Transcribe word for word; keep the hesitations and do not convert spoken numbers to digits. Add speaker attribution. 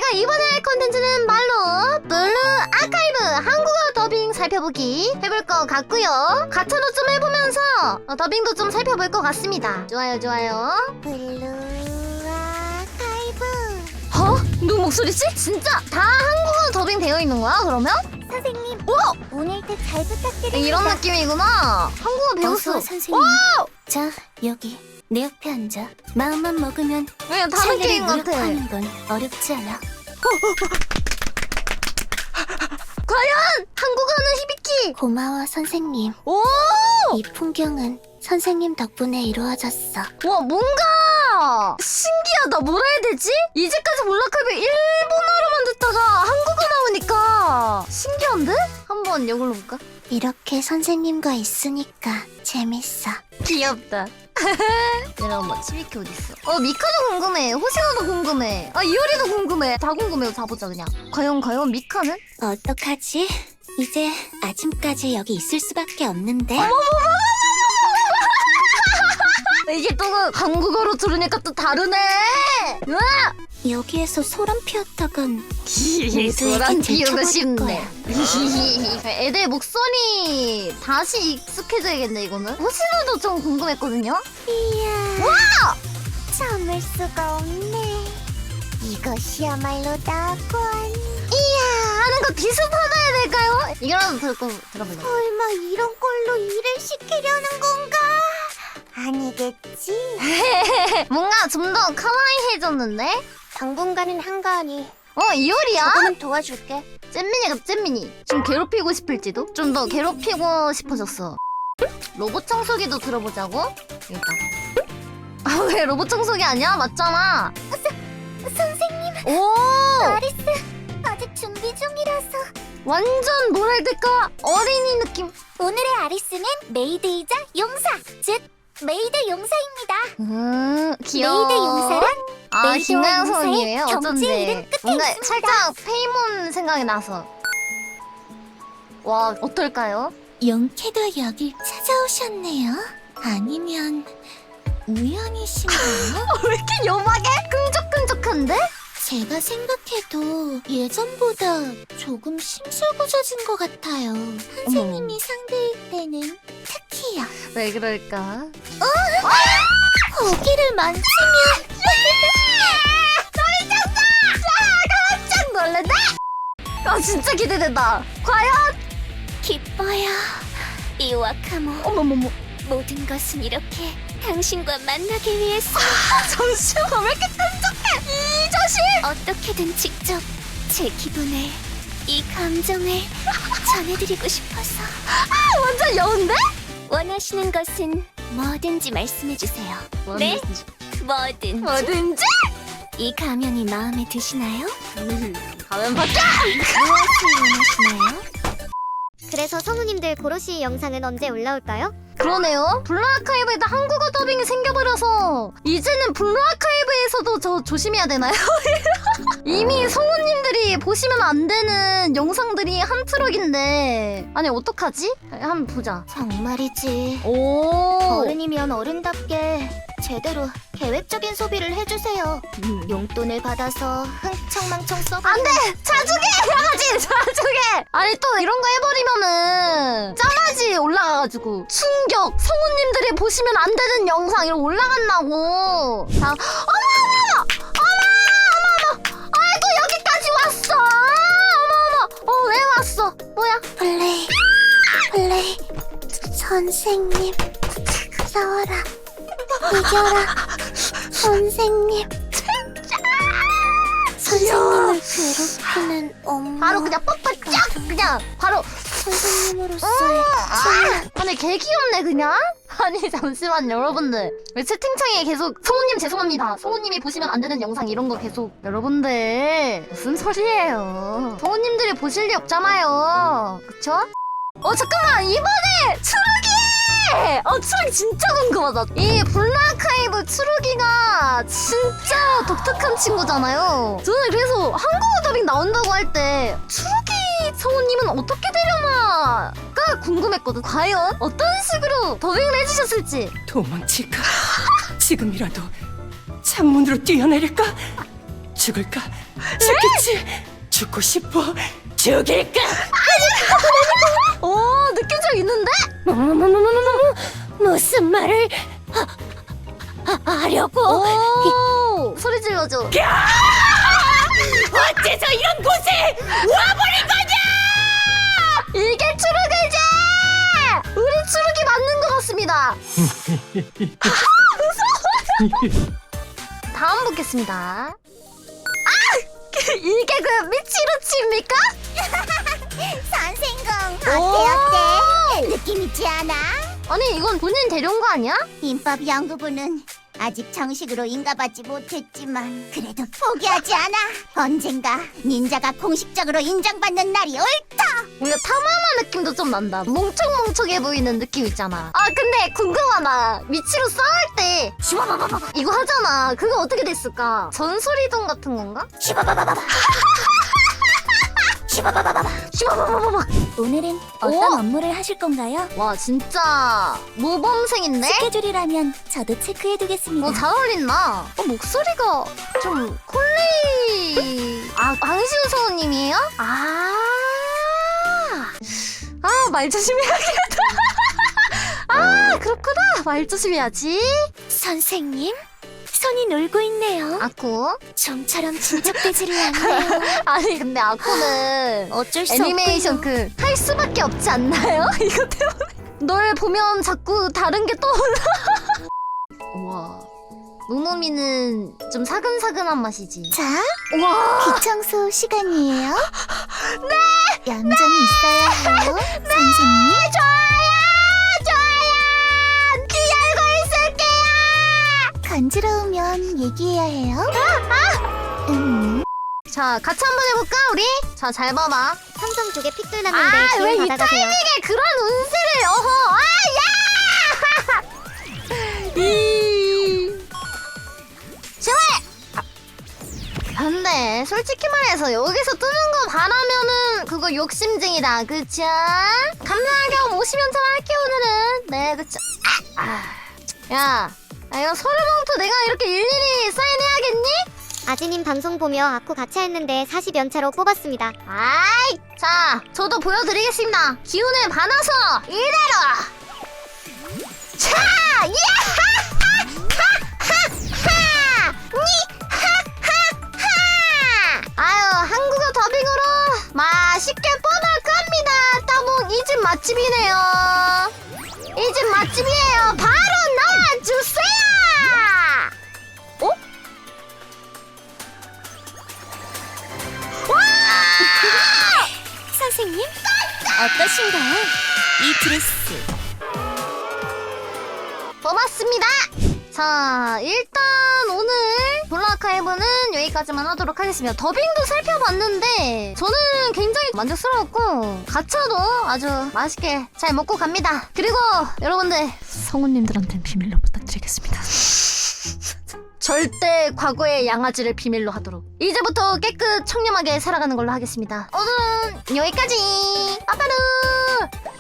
Speaker 1: 저희가 이번에 할 컨텐츠는 말로 블루 아카이브 한국어 더빙 살펴보기 해볼 것 같고요. 가차도 좀 해보면서 어, 더빙도 좀 살펴볼 것 같습니다. 좋아요 좋아요.
Speaker 2: 블루 아카이브.
Speaker 1: 어? 누구 목소리지? 진짜 다 한국어 더빙 되어 있는 거야 그러면?
Speaker 2: 선생님,
Speaker 1: 오!
Speaker 2: 오늘도 잘 부탁드립니다.
Speaker 1: 이런 느낌이구나. 한국어 배웠어.
Speaker 2: 어서 선생님. 자, 여기 내 옆에 앉아. 마음만 먹으면
Speaker 1: 왜 다른
Speaker 2: 살기를
Speaker 1: 게임 같아.
Speaker 2: 무력화하는 건 어렵지 않아.
Speaker 1: 과연 한국어는 히비키.
Speaker 2: 고마워 선생님.
Speaker 1: 오!
Speaker 2: 이 풍경은 선생님 덕분에 이루어졌어.
Speaker 1: 와 뭔가 신기하다. 뭐라 해야 되지? 이제까지 몰라카이브 일본어로만 듣다가 한국어 나오니까 신기한데? 한번 이걸로 볼까?
Speaker 2: 이렇게 선생님과 있으니까 재밌어.
Speaker 1: 귀엽다. 얘랑 뭐 치비키 어딨어? 어 미카도 궁금해. 호시노도 궁금해. 아 이효리도 궁금해. 다 궁금해요. 다 보자 그냥. 과연 과연 미카는?
Speaker 2: 어떡하지? 이제 아침까지 여기 있을 수밖에 없는데.
Speaker 1: 이게 또 그 한국어로 들으니까 또 다르네. 으아!
Speaker 2: 여기에서 소란 피웠다간
Speaker 1: 소란 피우고
Speaker 2: 들켜버릴
Speaker 1: 싶네. 애들 목소리 다시 익숙해져야겠네 이거는. 호시노도 좀 궁금했거든요.
Speaker 2: 이야.
Speaker 1: 와!
Speaker 2: 참을 수가 없네. 이것이야말로 낙원.
Speaker 1: 이야 하는 거 비슷하다 해야 될까요? 이거라도 들고 들어볼래.
Speaker 2: 설마 이런 걸로 일을 시키려는 건가? 아니겠지.
Speaker 1: 뭔가 좀 더 카와이해졌는데?
Speaker 2: 당분간은 한가하니
Speaker 1: 어 이효리야?
Speaker 2: 조금은 도와줄게.
Speaker 1: 잼민이가 잼민이 좀 괴롭히고 싶을지도? 좀 더 괴롭히고 싶어졌어. 로봇 청소기도 들어보자고? 일단 아 왜 로봇 청소기 아니야? 맞잖아.
Speaker 2: 선생님,
Speaker 1: 오
Speaker 2: 아리스 아직 준비 중이라서.
Speaker 1: 완전 뭐랄까 어린이 느낌.
Speaker 2: 오늘의 아리스는 메이드이자 용사, 즉 메이드 용사입니다.
Speaker 1: 음 귀여워.
Speaker 2: 메이드 용사란
Speaker 1: 아
Speaker 2: 메이드와
Speaker 1: 김나영
Speaker 2: 용사의
Speaker 1: 선생님이에요?
Speaker 2: 경제
Speaker 1: 어쩐지
Speaker 2: 이름 끝에
Speaker 1: 뭔가
Speaker 2: 있습니다.
Speaker 1: 살짝 페이몬 생각이 나서. 와 어떨까요?
Speaker 2: 용케도 여길 찾아오셨네요. 아니면 우연이신가요?
Speaker 1: 왜 이렇게 요막에 끈적끈적한데?
Speaker 2: 제가 생각해도 예전보다 조금 심술궂어진 것 같아요. 선생님이 상대일 때는 특히요.
Speaker 1: 왜 그럴까?
Speaker 2: 거기를 만지면
Speaker 1: 깜짝 놀랐네? 아 진짜 기대된다. 과연?
Speaker 2: 기뻐요. 이 와카모,
Speaker 1: 어머머머.
Speaker 2: 모든 것은 이렇게 당신과 만나기 위해서.
Speaker 1: 잠시만 왜 이렇게 끈적해? 이 자식!
Speaker 2: 어떻게든 직접 제 기분을, 이 감정을 전해드리고 싶어서.
Speaker 1: 아 완전 여운데?
Speaker 2: 원하시는 것은 뭐든지 말씀해주세요. 네? 뭐든지.
Speaker 1: 뭐든지?
Speaker 2: 이 가면이 마음에 드시나요?
Speaker 1: 가면 받자!
Speaker 2: 무엇을 원하시나요?
Speaker 3: 그래서 성우님들 고로시 영상은 언제 올라올까요?
Speaker 1: 그러네요. 블루아카이브에도 한국어 더빙이 생겨버려서 이제는 블루아카이브에서도 저 조심해야 되나요? 이미 성우님들이 보시면 안 되는 영상들이 한 트럭인데 아니 어떡하지? 한번 보자.
Speaker 2: 정말이지.
Speaker 1: 오.
Speaker 2: 어른이면 어른답게 제대로 계획적인 소비를 해주세요. 용돈을 받아서 흥청망청 써버리는.
Speaker 1: 안돼! 자주게! 해야지! 자주게! 아니 또 이런 거 해버리면은 짠하지 올라가가지고 충격! 성우님들이 보시면 안 되는 영상 이런 올라간다고. 자, 어머 어머! 어머 어머 어머! 아이고 여기까지 왔어! 어머 어머! 어 왜 왔어? 뭐야?
Speaker 2: 플레이, 플레이. 선생님, 싸워라. 이겨라. 선생님. 선생님을 괴롭히는 엄마.
Speaker 1: 바로 그냥 뻑뻑 쫙! 그냥 바로
Speaker 2: 선생님으로서의
Speaker 1: 아, 아니 개 귀엽네 그냥? 아니 잠시만 여러분들 왜 채팅창에 계속 성우님 죄송합니다 성우님이 보시면 안 되는 영상 이런 거 계속 여러분들 무슨 소리예요 성우님들이 보실 리 없잖아요 그쵸? 어 잠깐만 이번에 추루기! 어 추루기 진짜 궁금하다 이 블루아카이브 추루기가 진짜 독특한 친구잖아요 저는 그래서 한국어 더빙 나온다고 할 때 추루기 성우님은 어떻게 되려나가 궁금했거든. 과연 어떤 식으로 더빙을 해주셨을지.
Speaker 4: 도망칠까? 지금이라도 창문으로 뛰어내릴까? 죽을까? 죽겠지? 죽고 싶어. 죽일까?
Speaker 1: 오 느낌적 있는데?
Speaker 2: 무슨 말을 하, 하, 하려고?
Speaker 1: 오 소리 질러줘.
Speaker 4: 어째서 이런 곳에 와버린 거냐?
Speaker 1: 이게 추룩이지! 우리 추룩이 맞는 것 같습니다. 다음 보겠습니다. 아! 이게 그 미치루치입니까?
Speaker 2: 선생공
Speaker 1: 오!
Speaker 2: 어때 어때? 느낌 있지 않아?
Speaker 1: 아니 이건 본인 데려온 거 아니야?
Speaker 2: 인법 연구부는 아직 정식으로 인가받지 못했지만 그래도 포기하지 않아. 언젠가 닌자가 공식적으로 인정받는 날이 올.
Speaker 1: 뭔가 타마마 느낌도 좀 난다. 멍청멍청해 보이는 느낌 있잖아. 아 근데 궁금하다. 미치루 싸울 때 슈바바바바 이거 하잖아. 그거 어떻게 됐을까? 전설이동 같은 건가?
Speaker 2: 슈바바바바바. 슈바바바바바.
Speaker 1: 슈바바바바바.
Speaker 2: 오늘은 어떤
Speaker 1: 오!
Speaker 2: 업무를 하실 건가요?
Speaker 1: 와 진짜 모범생인데?
Speaker 2: 스케줄이라면 저도 체크해두겠습니다.
Speaker 1: 어, 잘 어울린다. 어, 목소리가 좀 콜레이. 아, 황시우 성우님이에요? 아. 아, 말 조심해야겠다. 아, 그렇구나. 말 조심해야지.
Speaker 2: 선생님, 손이 놀고 있네요.
Speaker 1: 아쿠.
Speaker 2: 좀처럼 진척되지를 않네요.
Speaker 1: 아니, 근데 아쿠는
Speaker 2: 어쩔 수
Speaker 1: 애니메이션
Speaker 2: 없군요.
Speaker 1: 그, 할 수밖에 없지 않나요? 이거 때문에. 널 보면 자꾸 다른 게 떠올라. 와. 노노미는 좀 사근사근한 맛이지.
Speaker 2: 자,
Speaker 1: 와.
Speaker 2: 귀청소 시간이에요. 네! 얌전히 있어야 해요, 선생님.
Speaker 1: 좋아요! 좋아요! 귀 열고 있을게요!
Speaker 2: 간지러우면 얘기해야 해요.
Speaker 1: 아!
Speaker 2: 음.
Speaker 1: 자, 같이 한번 해볼까, 우리? 자, 잘 봐봐.
Speaker 3: 삼성 쪽에 핏줄 났는데
Speaker 1: 아, 왜
Speaker 3: 기운
Speaker 1: 이
Speaker 3: 받아가세요.
Speaker 1: 타이밍에 그런 운세를, 어허! 아, 야! 이. 제발! 아. 근데, 솔직히 말해서 여기서 뜨는 거 바라면은 그거 욕심쟁이다, 그쵸? 감사하게 오십 연차 할게요, 오늘은. 네, 그쵸? 아, 아. 야, 아, 이거 서류봉투 내가 이렇게 일일이 사인해야겠니?
Speaker 3: 아지님 방송 보며 아쿠 같이 했는데 사십 연차로 뽑았습니다.
Speaker 1: 아이, 자, 저도 보여드리겠습니다. 기운을 받아서 이대로. 자, 야하하하하, 니하하하. 아유, 한국어 더빙으로 맛있게 뻗어갑니다. 따봉 이 집 맛집이네요. 이 집 맛집이에요. 바로 나와주세요. 어?
Speaker 2: 선생님, 어떠신가요? 이 드레스.
Speaker 1: 뽑았습니다. 자, 일단 오늘 블루아카이브는 여기까지만 하도록 하겠습니다. 더빙도 살펴봤는데 저는 굉장히 만족스러웠고 가차도 아주 맛있게 잘 먹고 갑니다. 그리고 여러분들 성우님들한테는 비밀로 부탁드리겠습니다. 절대 과거의 양아지를 비밀로 하도록. 이제부터 깨끗 청렴하게 살아가는 걸로 하겠습니다. 오늘은 여기까지. 빠빠루.